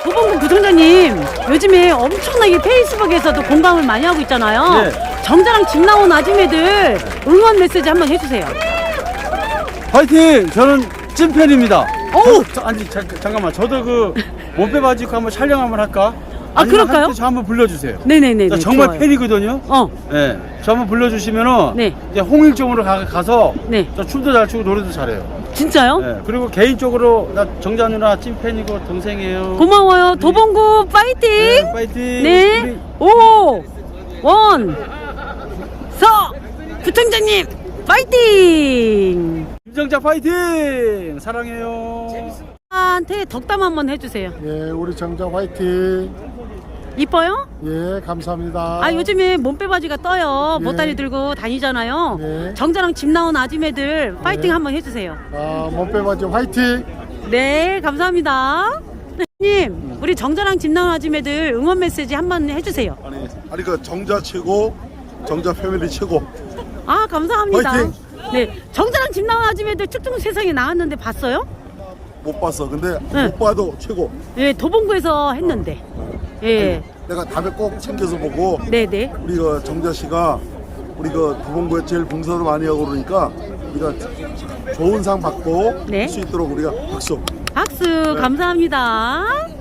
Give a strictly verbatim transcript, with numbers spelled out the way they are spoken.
도봉구 부총장님 요즘에 엄청나게 페이스북에서도 공감을 많이 하고 있잖아요. 네. 정자랑 집 나온 아줌매들 응원 메시지 한번 해주세요. 화이팅! 저는 찐팬입니다. 어우! 저, 저, 아니 자, 잠깐만 저도 그 몸빼 바지 입고 한번 촬영 한번 할까? 아, 아니면 그럴까요? 한- 저 한번 불러주세요. 네네네. 나 정말 좋아요. 팬이거든요. 어. 네, 저 한번 불러주시면은 네. 이제 홍일점으로 가, 가서 네. 저 춤도 잘 추고 노래도 잘해요. 진짜요? 네, 그리고 개인적으로 나 정자 누나 찐팬이고 동생이에요. 고마워요. 도봉구 파이팅! 네, 파이팅. 네. 우리 오, 원, 서, 부총장님 파이팅! 김정자 파이팅! 사랑해요. 한테 덕담 한번 해주세요. 예, 우리 정자 화이팅. 이뻐요? 예, 감사합니다. 아 요즘에 몸빼 바지가 떠요. 예. 보따리 들고 다니잖아요. 예. 정자랑 집 나온 아줌매들 파이팅 예. 한번 해주세요. 아, 몸빼바지 화이팅. 네, 감사합니다. 님, 우리 정자랑 집 나온 아줌매들 응원 메시지 한번 해주세요. 아니, 아니 그 정자 최고, 정자 패밀리 최고. 아 감사합니다. 화이팅! 네, 정자랑 집 나온 아줌매들 축중 세상에 나왔는데 봤어요? 못 봤어. 근데 네. 못 봐도 최고. 예, 도봉구에서 했는데. 예, 내가 다음에 꼭 챙겨서 보고 네, 네. 우리 그 정자 씨가 우리 그 도봉구에 제일 봉사도 많이 하고 그러니까 우리가 좋은 상 받고 네. 할 수 있도록 우리가 박수. 박수 감사합니다.